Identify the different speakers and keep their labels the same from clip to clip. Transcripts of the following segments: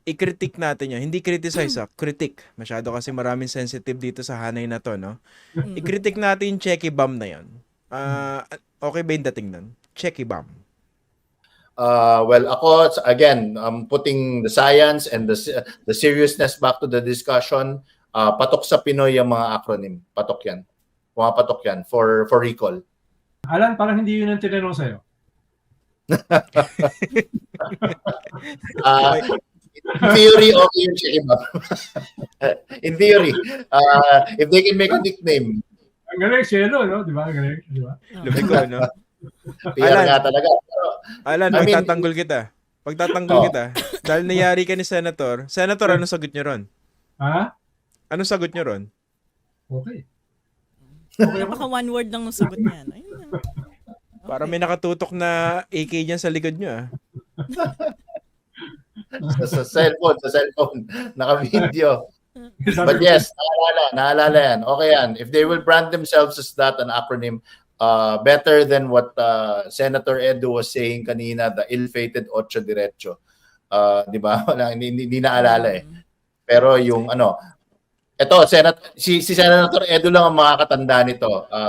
Speaker 1: i-critique natin yun. Hindi criticize, critique. Masyado kasi maraming sensitive dito sa hanay na to, no?
Speaker 2: Mm.
Speaker 1: I-critique natin yung checky bomb na yun. Okay ba yung dating nun? Checky bomb.
Speaker 3: Well, ako, again, putting the science and the seriousness back to the discussion, patok sa Pinoy yung mga acronym. Patok yan. Pumapatok yan for recall.
Speaker 4: Alan, parang hindi yun ang tinanong sa'yo.
Speaker 3: In theory, okay yung checky bomb. In theory, if they can make a nickname.
Speaker 4: Ang galing, Cielo, no? Di ba? Ang galing, di ba?
Speaker 1: Lumiko, no?
Speaker 3: PR nga talaga.
Speaker 1: Alan,
Speaker 3: I mean,
Speaker 1: pagtatanggol kita. Pagtatanggol kita. Dahil nayari ka ni Senator. Senator, anong sagot niyo ron?
Speaker 4: Ha?
Speaker 1: Anong sagot niyo ron?
Speaker 4: Okay.
Speaker 2: Baka one word lang ng sagot niya. Ayun lang.
Speaker 1: Para may nakatutok na AK dyan sa likod niyo, ah.
Speaker 3: sa cellphone, naka-video. But yes, naalala yan. Okay yan. If they will brand themselves as that, an acronym, better than what Senator Edu was saying kanina, the ill-fated Ocho Diretso. Di ba? Hindi naalala eh. Pero yung ito, si Senator Edu lang ang makakatanda nito.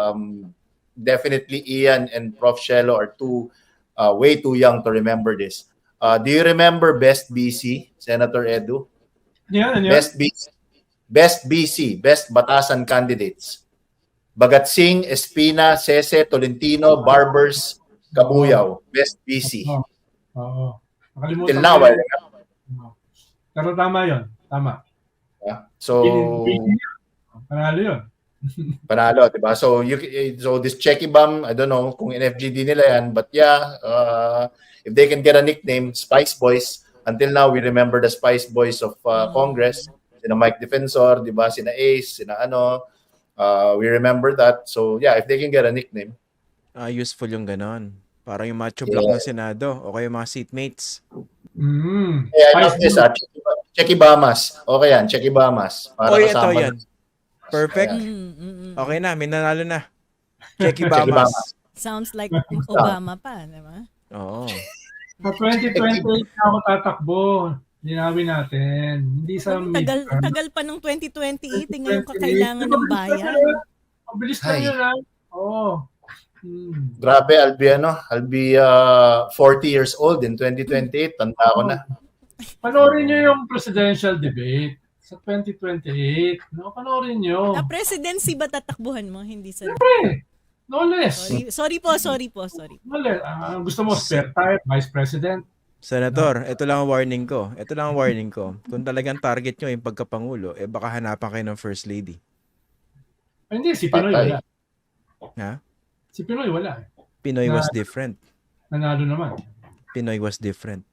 Speaker 3: Definitely Ian and Prof. Shelo are way too young to remember this. Do you remember Best BC, Senator Edu?
Speaker 4: Yan.
Speaker 3: Best BC, Best Batasan Candidates. Bagatsing, Espina, Sese, Tolentino, Barbers, Kabuyaw. Best BC.
Speaker 4: Oo. Nakalimutan
Speaker 3: Till now,
Speaker 4: ko yun. Pero tama yun. Tama.
Speaker 3: So,
Speaker 4: Panalo yun.
Speaker 3: panalo, diba? So this checky bomb, I don't know kung NFGD nila yan, but yeah, if they can get a nickname, Spice Boys. Until now, we remember the Spice Boys of Congress. Sina Mike Defensor, diba? Sina Ace, sina we remember that. So yeah, if they can get a nickname.
Speaker 1: Useful yung ganon. Parang yung macho block ng Senado o kaya mga seatmates.
Speaker 3: Yeah, I love this. Checky Bamas. Okay yan, Checky Bamas. Para
Speaker 1: Ito
Speaker 3: kasama
Speaker 1: yan. Perfect.
Speaker 2: Mm.
Speaker 1: Okay na, may nanalo na. Checky Bamas.
Speaker 2: Sounds like Obama pa, di ba?
Speaker 1: Oo.
Speaker 4: Sa 2028 na ako tatakbo. Linawin natin. Hindi sa
Speaker 2: Tagal pa ng 2028. Ngayon kakailangan ng bayan.
Speaker 4: Mabilis lang yun, ha? Oo.
Speaker 3: Grabe, I'll be 40 years old in 2028. Tanda ko na.
Speaker 4: Panoorin nyo yung presidential debate sa 2028. No, panoorin nyo.
Speaker 2: Na presidency ba tatakbuhan mo? Hindi sa...
Speaker 4: Siyempre. No less.
Speaker 2: Sorry po.
Speaker 4: No less. Gusto mo spare tire, vice president?
Speaker 1: Senator, ito lang ang warning ko. Kung talagang target nyo yung pagkapangulo, baka hanapan kayo ng First Lady.
Speaker 4: Hindi, si Pinoy wala.
Speaker 1: Ha?
Speaker 4: Si Pinoy wala.
Speaker 1: Pinoy was different.
Speaker 4: Nanalo naman.
Speaker 1: Pinoy was different.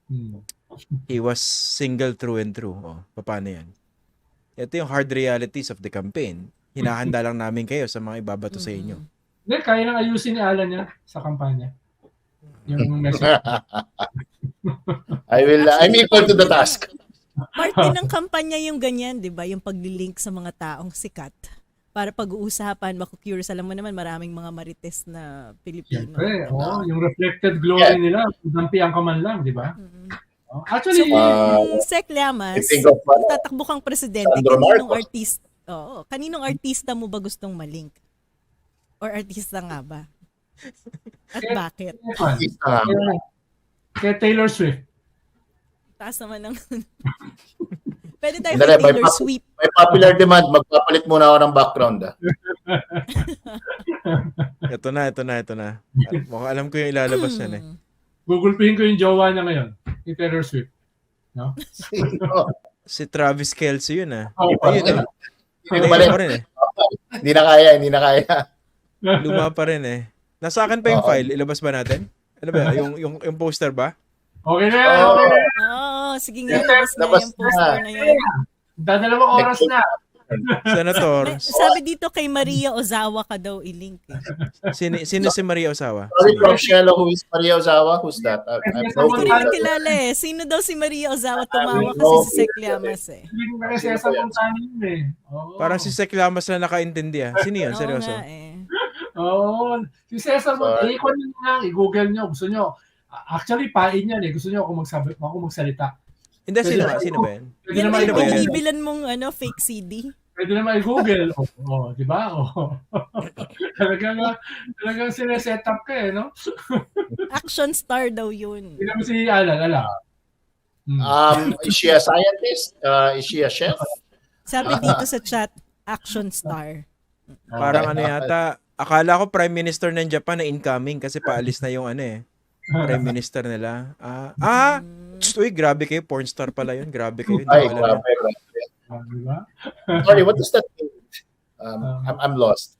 Speaker 1: He was single through and through. Paano yan? Ito yung hard realities of the campaign. Hinahanda lang namin kayo sa mga ibabato sa inyo.
Speaker 4: Hindi, kaya nang ayusin ni Alan niya sa kampanya. Yung message.
Speaker 3: I'm equal to the task.
Speaker 2: Part din ng kampanya yung ganyan, di ba? Yung paglilink sa mga taong sikat. Para pag-uusapan, maku-curious. Alam mo naman, maraming mga marites na Pilipino.
Speaker 4: Siyempre, yung reflected glory nila, dampi ang kaman lang, di ba? Actually,
Speaker 2: Sec Llamas, tatakbo kang presidente, kaninong artista mo ba gustong malink? Or artista nga ba? At bakit?
Speaker 4: Kay Taylor Swift.
Speaker 2: Taas naman ng... Pwede tayo kay Taylor Swift.
Speaker 3: May popular demand, magpapalit muna ako ng background.
Speaker 1: Ito na. Mukhang alam ko yung ilalabas yan eh.
Speaker 4: Gugulpihin ko yung jowa niya ngayon. Ni Taylor Swift. No?
Speaker 1: Si Travis Kelce yun ah.
Speaker 3: Ayun,
Speaker 1: Luma pa rin eh.
Speaker 3: Hindi na kaya.
Speaker 1: Luma pa rin eh. Nasa akin pa yung file. Ilabas ba natin? Ano ba? Yung poster ba?
Speaker 4: Okay na yan.
Speaker 2: Sige nga. Labas na yung poster na yan.
Speaker 4: Dadalawang oras na.
Speaker 1: Senator.
Speaker 2: Sabi dito kay Maria Ozawa ka daw i-link eh.
Speaker 1: Sino si Maria Ozawa?
Speaker 3: Sorry, Prof. Shelo, who is Maria Ozawa? Who's that?
Speaker 2: Hindi ko rin nakilala eh. Sino daw si Maria Ozawa? Tumawa kasi si Sec Llamas eh.
Speaker 4: Hindi ko kasi sa puntahan yun eh.
Speaker 1: Parang si Sec Llamas na nakaintindi ah. Sino yun? Seryoso?
Speaker 4: Si Cesar Montalvo. I-google nyo. Gusto nyo. Actually, pain yan eh. Gusto nyo ako magsalita.
Speaker 1: Hindi, sino ba yan?
Speaker 4: Pwede
Speaker 2: Yan
Speaker 4: naman
Speaker 2: ba yung
Speaker 1: ba yan?
Speaker 2: binibilan mong fake CD?
Speaker 4: Pwede naman i-Google. Di ba? Talagang sineset up ka no?
Speaker 2: Action star daw yun.
Speaker 4: Hindi naman si Alan.
Speaker 3: Is she a scientist? Is she a chef?
Speaker 2: Sabi dito sa chat, action star.
Speaker 1: Parang yata, akala ko Prime Minister ng Japan na incoming kasi paalis na yung Prime Minister nila. Uy, grabe kayo, porn star pala yun. Grabe kayo.
Speaker 3: Ay,
Speaker 1: Hindi ko alam.
Speaker 4: Diba?
Speaker 3: Sorry, what does that mean? I'm lost.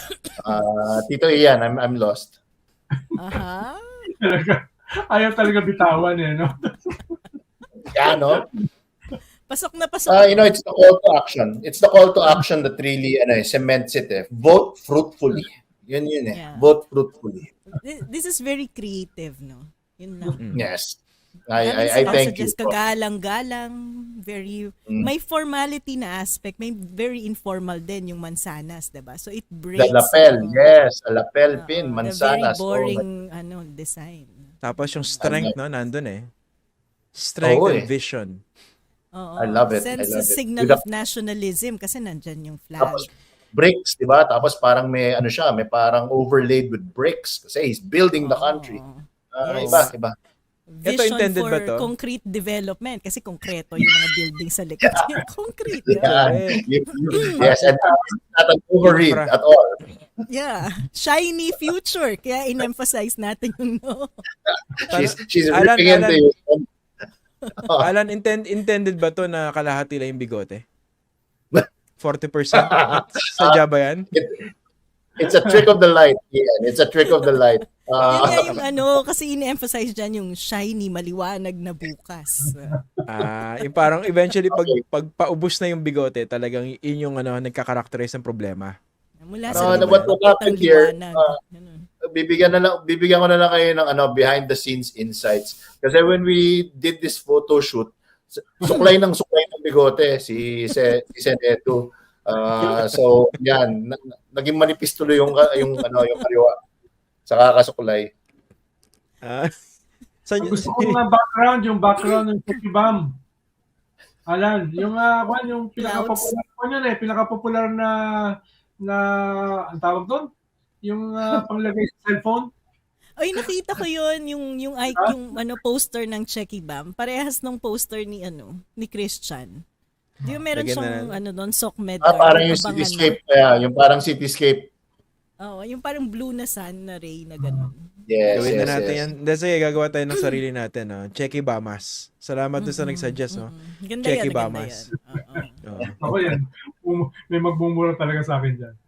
Speaker 3: Tito Ian, I'm lost.
Speaker 2: Aha.
Speaker 4: Ayaw talaga bitawan no?
Speaker 3: Yeah, no?
Speaker 2: Pasok na pasok.
Speaker 3: It's the call to action. It's the call to action that really cements it. Vote fruitfully. Yun
Speaker 2: Yeah.
Speaker 3: Vote fruitfully.
Speaker 2: This is very creative, no? Yun lang.
Speaker 3: Yes. I thank you.
Speaker 2: Kagalang-galang, very may formality na aspect, may very informal din yung mansanas, 'di ba? So it breaks
Speaker 3: The lapel, yes, a lapel pin, mansanas.
Speaker 2: The very boring design.
Speaker 1: Tapos yung strength, nandun Strength and vision.
Speaker 2: Oo.
Speaker 3: I love it.
Speaker 2: Sense
Speaker 3: I love it.
Speaker 2: signal of nationalism kasi nandyan yung flag.
Speaker 3: Tapos bricks, 'di ba? Tapos parang may may parang overlaid with bricks kasi he's building the country.
Speaker 2: Yes.
Speaker 3: Iba.
Speaker 2: Vision
Speaker 1: Ito intended
Speaker 2: for
Speaker 1: ba to?
Speaker 2: concrete development kasi konkreto yung mga building sa likod. Concrete.
Speaker 3: Yeah.
Speaker 2: Yeah.
Speaker 3: Yes, and not an overread at all.
Speaker 2: Yeah. Shiny future. Kaya in-emphasize natin yung
Speaker 3: She's
Speaker 1: Alan,
Speaker 3: ripping into you.
Speaker 1: Alan, intended ba to na kalahati lang yung bigote? 40%? Sadya ba yan?
Speaker 3: It's a trick of the light. Yeah, it's a trick of the light.
Speaker 2: Yun nga yung kasi in-emphasize dyan yung shiny, maliwanag na bukas.
Speaker 1: Yung parang eventually pag paubos na yung bigote, talagang yun yung nagkakarakterize ng problema.
Speaker 2: Mula sa
Speaker 3: what happened here,
Speaker 2: liwanag.
Speaker 3: bibigyan ko na lang kayo ng behind the scenes insights. Kasi when we did this photo shoot, suklay ng bigote si Sen Edu. So yan, naging manipis tuloy yung kaliwa sa kakasuklay.
Speaker 4: Gusto ko ng background ng Pokibam. Alan, yung pinaka-popular na ang tawag doon, yung panglagay sa cellphone.
Speaker 2: Ay, nakita ko yun, yung poster ng Checky Bam. Parehas nung poster ni Christian. Di ba meron siyang doon, SOCMED.
Speaker 3: Parang yung cityscape, yung parang cityscape.
Speaker 2: Oo, yung parang blue na sun na ray na gano'n.
Speaker 3: Yes,
Speaker 1: gawin na natin yan. Sige, gagawa tayo ng sarili natin. Checky Bamas. Salamat doon sa nagsuggest.
Speaker 2: Ganda
Speaker 1: Checky
Speaker 2: yan,
Speaker 1: Bamas.
Speaker 4: Ako yan. May magmumura talaga sa akin dyan.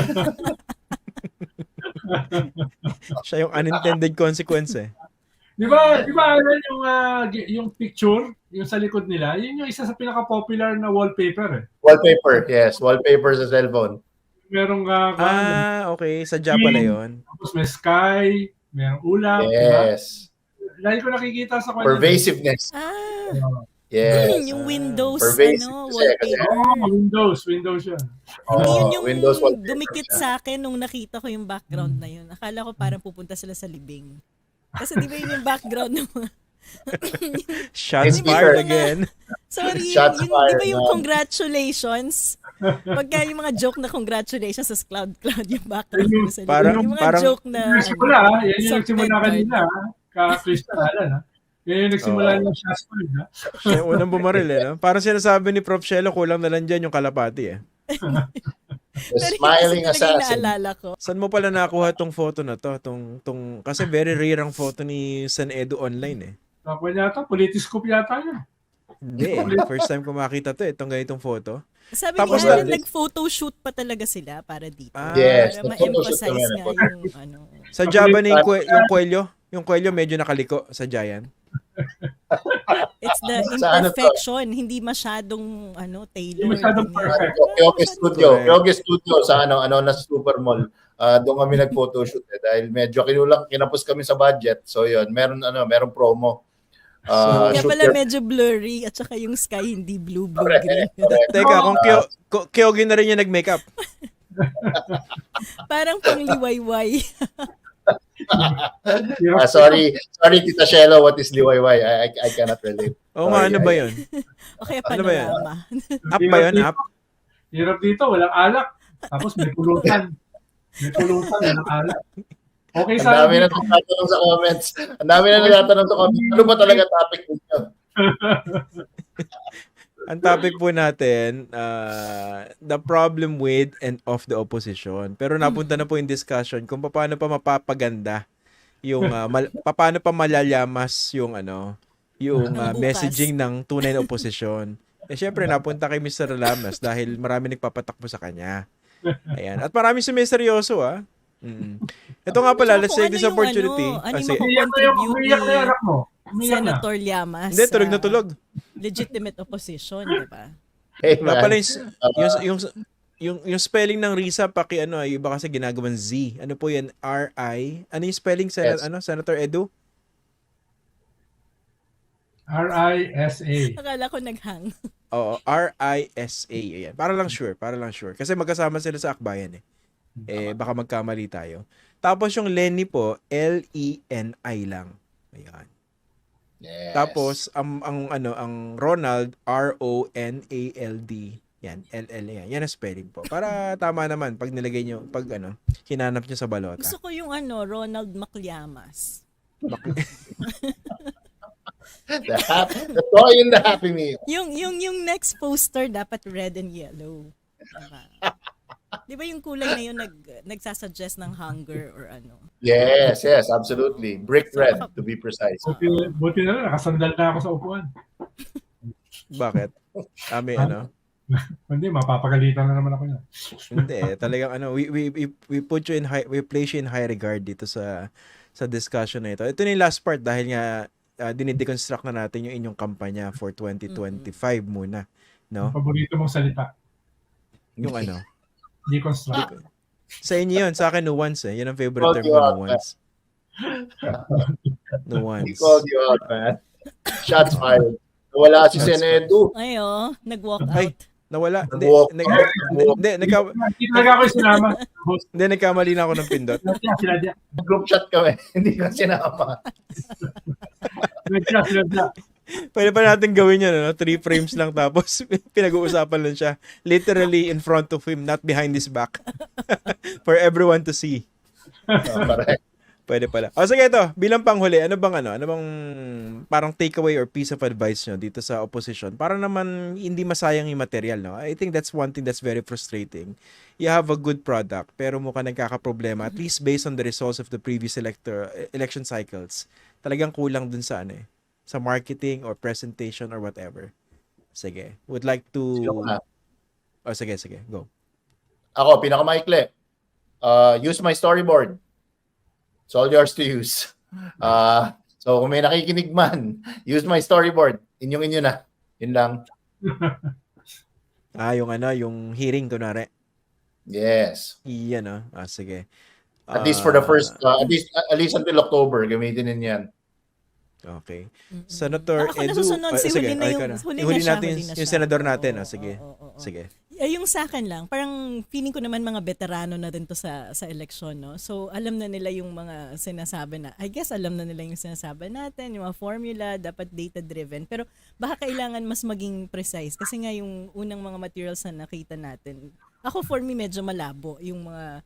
Speaker 1: Siya yung unintended consequence
Speaker 4: Di ba Alan, yung picture, yung sa likod nila, yun yung isa sa pinaka-popular na wallpaper
Speaker 3: Wallpaper, yes. Wallpaper sa cellphone.
Speaker 4: Merong
Speaker 1: okay. Sadya pala yun.
Speaker 4: Tapos may sky, merong ulap.
Speaker 3: Yes.
Speaker 4: Diba? Lagi ko nakikita sa kanya.
Speaker 3: Pervasiveness. Yes.
Speaker 2: Yung Windows,
Speaker 3: wallpaper.
Speaker 4: Windows yun.
Speaker 2: Hindi yun yung
Speaker 3: Windows
Speaker 2: dumikit sa akin nung nakita ko yung background na yun. Akala ko parang pupunta sila sa libing. Kasi di ba yun yung background ng mga...
Speaker 1: Shots fired again.
Speaker 2: Sorry, di ba yung congratulations? Pagka yung mga joke na congratulations sa cloud yung background mo sa libing. Yung mga joke na...
Speaker 4: Yan yung nagsimula kanina, ka-Christian Alan, Yan yung nagsimula ng shots fired,
Speaker 1: Yung unang bumaril, no? Parang sinasabi ni Prof. Shelo, kulang na lang dyan yung kalapati,
Speaker 3: The smiling assassin.
Speaker 2: Naalala ko.
Speaker 1: Saan mo pala nakuha tong photo na to? Kasi very rare ang photo ni Sen Edu online
Speaker 4: Ako yata, politiscope yata yun.
Speaker 1: Hindi First time ko makita to, itong ganitong photo.
Speaker 2: Sabi
Speaker 1: Tapos
Speaker 2: niya, nag-photoshoot pa talaga sila para dito.
Speaker 3: Yes.
Speaker 2: Para ma-emphasize nga yung
Speaker 1: Sa Java na yung Coelho medyo nakaliko sa Giant.
Speaker 2: It's the imperfection, hindi masyadong tailor.
Speaker 4: Hindi masyadong perfect.
Speaker 3: Kyoge Studio sa na Supermall. Doon kami nag-photoshoot dahil medyo kinapos kami sa budget. So yun, meron promo.
Speaker 2: Kaya pala medyo blurry at saka yung sky hindi blue-green.
Speaker 1: Teka, kung Kyoge na rin yung nag-makeup.
Speaker 2: Parang pang liwayway.
Speaker 3: Sorry, Tita Shelo, what is liwayway? I cannot relate.
Speaker 1: Oo nga, ano ba yun?
Speaker 2: O kaya
Speaker 1: Ano ba yan?
Speaker 2: panorama.
Speaker 1: App ba yun? App?
Speaker 4: Hirap dito, walang alak. Tapos may pulutan. May pulutan, walang alak. Okay,
Speaker 3: Ang dami na nagtatanong sa comments. Ang dami na nagtatanong sa comments. Ano ba talaga topic ninyo?
Speaker 1: Ang topic po natin, the problem with and of the opposition. Pero napunta na po yung discussion kung paano pa mapapaganda yung paano pa malalamas yung yung
Speaker 2: Bukas.
Speaker 1: messaging ng tunay na opposition. Eh syempre napunta kay Mr. Lamas dahil marami nagpapatakbo sa kanya. Ayan. At marami sumiseryoso Ito nga pala, let's
Speaker 2: Kung
Speaker 1: take this
Speaker 2: ano yung
Speaker 1: opportunity.
Speaker 2: ano yung
Speaker 1: Sige.
Speaker 4: Umiyak na yung anak mo. Umiyak na.
Speaker 2: Senator Llamas.
Speaker 1: Hindi, tulog na tulog.
Speaker 2: Legitimate opposition, di ba?
Speaker 3: Hey,
Speaker 1: Wala pala
Speaker 3: man.
Speaker 1: yung spelling ng Risa iba kasi ginagawang Z. Ano po yan? R-I. Ano yung spelling sa
Speaker 3: Yes.
Speaker 1: Senator Edu?
Speaker 4: RISA.
Speaker 2: Akala ko naghang.
Speaker 1: Oo, R-I-S-A. Ayan. Para lang sure. Kasi magkasama sila sa akbayan baka magkamali tayo. Tapos yung Lenny po, L-E-N-I lang. Ayan.
Speaker 3: Yes.
Speaker 1: Tapos ang Ronald, R-O-N-A-L-D. Yan, L-L yan. Yan ang spelling po. Para tama naman pag nilagay nyo, hinanap nyo sa balota.
Speaker 2: Gusto ko yung Ronald Macliamas.
Speaker 3: The toy in the Happy Meal.
Speaker 2: Yung next poster dapat red and yellow. Diba? Di ba yung kulay na yun nagsasuggest ng hunger or ano?
Speaker 3: Yes, absolutely. Brick red, to be precise.
Speaker 4: Buti na lang, nakasandal na ako sa upuan.
Speaker 1: Bakit? May
Speaker 4: Hindi, mapapagalitan na naman ako yan.
Speaker 1: Hindi, talagang we put you in we place you in high regard dito sa discussion na ito. Ito na yung last part dahil nga dinideconstruct na natin yung inyong kampanya for 2025 muna, no?
Speaker 4: Paborito mong salita.
Speaker 1: Yung
Speaker 4: Deconstruct.
Speaker 1: sa inyo yun, sa akin nuance Yun ang favorite term ko, nuance.
Speaker 3: He
Speaker 1: Nuance.
Speaker 3: called you out, man. Shots fired. Wala si Senedu.
Speaker 2: Ay, nag-walk
Speaker 1: Ay.
Speaker 2: out.
Speaker 1: Nawala.
Speaker 3: Nag-walk out.
Speaker 4: Hindi talaga ako sinama.
Speaker 1: Hindi, nagkamali na ako ng pindot.
Speaker 4: Sinadya.
Speaker 3: Group chat kami. Hindi ka sinama.
Speaker 4: Sinadya.
Speaker 1: Pwede pa natin gawin yan, 3 frames lang tapos pinag-uusapan lang siya. Literally in front of him, not behind his back. For everyone to see.
Speaker 3: Correct.
Speaker 1: Pwede pala. O sige ito, bilang panghuli, ano bang parang takeaway or piece of advice nyo dito sa opposition para naman hindi masayang yung material, no? I think that's one thing that's very frustrating. You have a good product pero mukha nagkakaproblema, at least based on the results of the previous election cycles. Talagang kulang dun sa sa marketing or presentation or whatever. Sige. Would like to... sige. Go.
Speaker 3: Ako, pinakamaikli. Use my storyboard. It's all yours to use. So, kung may nakikinig man, use my storyboard. Inyo na. Yun lang.
Speaker 1: Yung hearing, kunwari.
Speaker 3: Yes.
Speaker 1: Yan, sige.
Speaker 3: At least for the first, at least until October, gamitin din yan.
Speaker 1: Okay. Senator
Speaker 2: Ako
Speaker 1: Edu.
Speaker 2: nasusunod si huli na yung
Speaker 1: huli natin yung senador natin. Sige. Sige.
Speaker 2: Yung sa akin lang, parang feeling ko naman mga veterano na din to sa eleksyon, no? So, alam na nila yung mga sinasabi na, I guess alam na nila yung sinasabi natin, yung mga formula, dapat data-driven. Pero baka kailangan mas maging precise kasi nga yung unang mga materials na nakita natin, ako for me medyo malabo yung mga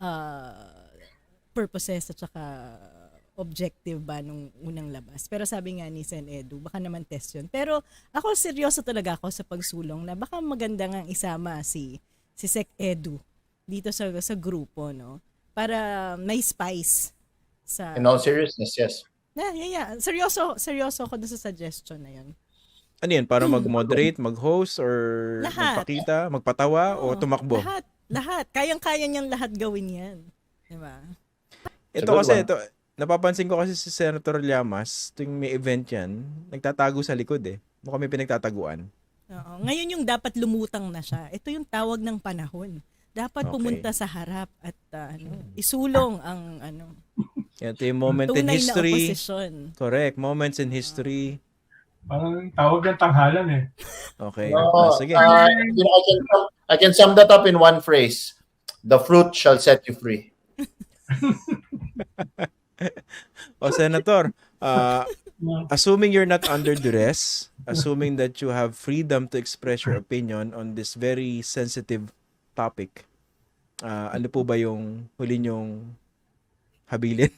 Speaker 2: purposes at saka objective ba nung unang labas. Pero sabi nga ni Sen Edu, baka naman test yun. Pero ako seryoso talaga ako sa pagsulong na baka maganda nga isama si Sec Edu dito sa grupo, no? Para may spice sa...
Speaker 3: In all seriousness, yes.
Speaker 2: Yeah. Seryoso ako doon sa suggestion na yun.
Speaker 1: Ano yan? Para mag-moderate, mag-host, or
Speaker 2: Lahat.
Speaker 1: magpakita, magpatawa, o tumakbo?
Speaker 2: Lahat. Kayang-kaya niyang lahat gawin yan. Diba?
Speaker 1: Ito kasi, napapansin ko kasi si Senator Llamas, tuwing may event yan, nagtatago sa likod Mukhang may pinagtataguan.
Speaker 2: Oo. Ngayon yung dapat lumutang na siya. Ito yung tawag ng panahon. Dapat pumunta sa harap at isulong ang
Speaker 1: Ito yung moment in
Speaker 2: tunay
Speaker 1: history.
Speaker 2: na opposition.
Speaker 1: Correct. Moments in history.
Speaker 4: Parang tawag ng tanghalan
Speaker 1: Okay. Sige.
Speaker 3: I can sum that up in one phrase. The fruit shall set you free.
Speaker 1: O Senator, assuming you're not under duress, assuming that you have freedom to express your opinion on this very sensitive topic, ano po ba yung huli nyong habilin?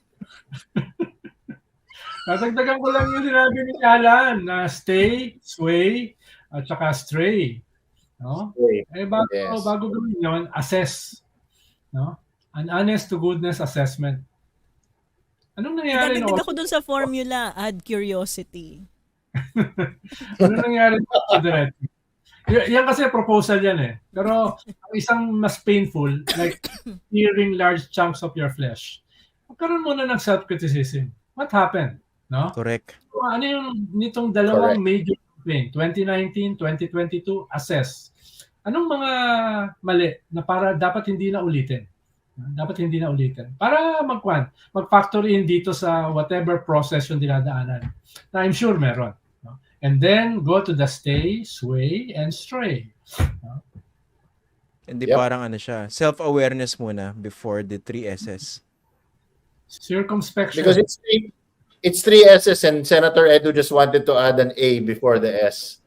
Speaker 4: Natagdagan ko lang yung sinabi ni Alan na stay, sway, at saka stray. No? Eh bago gawin yun, assess. No? An honest to goodness assessment. Anong nangyari
Speaker 2: Dadagdag ako dun sa formula, add curiosity.
Speaker 4: Ano nangyari sa Diretso? Yan kasi proposal yan eh. Pero ang isang mas painful, like tearing large chunks of your flesh. Magkaroon muna ng self-criticism. What happened? No?
Speaker 1: Correct.
Speaker 4: So, ano yung nitong dalawang major campaign, 2019, 2022, assess. Anong mga mali na para dapat hindi na ulitin? Dapat hindi na ulitin. Para mag-factor in dito sa whatever process yung dinadaanan. Na I'm sure meron. No? And then go to the stay, sway, and stray. No?
Speaker 1: Hindi parang ano siya, self-awareness muna before the 3 S's.
Speaker 4: Circumspection.
Speaker 3: Because it's 3 S's and Senator Edu just wanted to add an A before the S.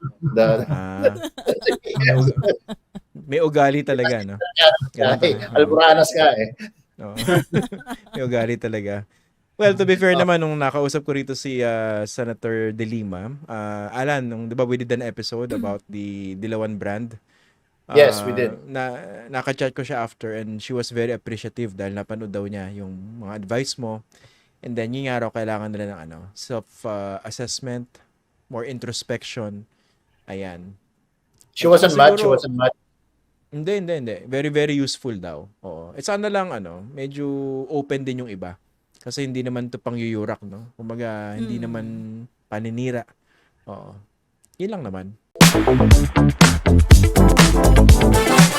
Speaker 1: May ugali talaga, no?
Speaker 3: Alboranas ka eh.
Speaker 1: No. May ugali talaga. Well, to be fair naman, nung nakausap ko rito si Senator De Lima, Alan, nung, di ba we did an episode about the Dilawan brand?
Speaker 3: Yes, we did.
Speaker 1: Naka-chat ko siya after and she was very appreciative dahil napanood daw niya yung mga advice mo. And then, yung araw, kailangan nila ng self-assessment, more introspection. Ayan.
Speaker 3: She wasn't mad.
Speaker 1: Hindi. Very, very useful daw. Oo. It's sana lang, medyo open din yung iba. Kasi hindi naman to pangyuyurak, no? Kumbaga, hindi naman paninira. Oo. Yun lang naman.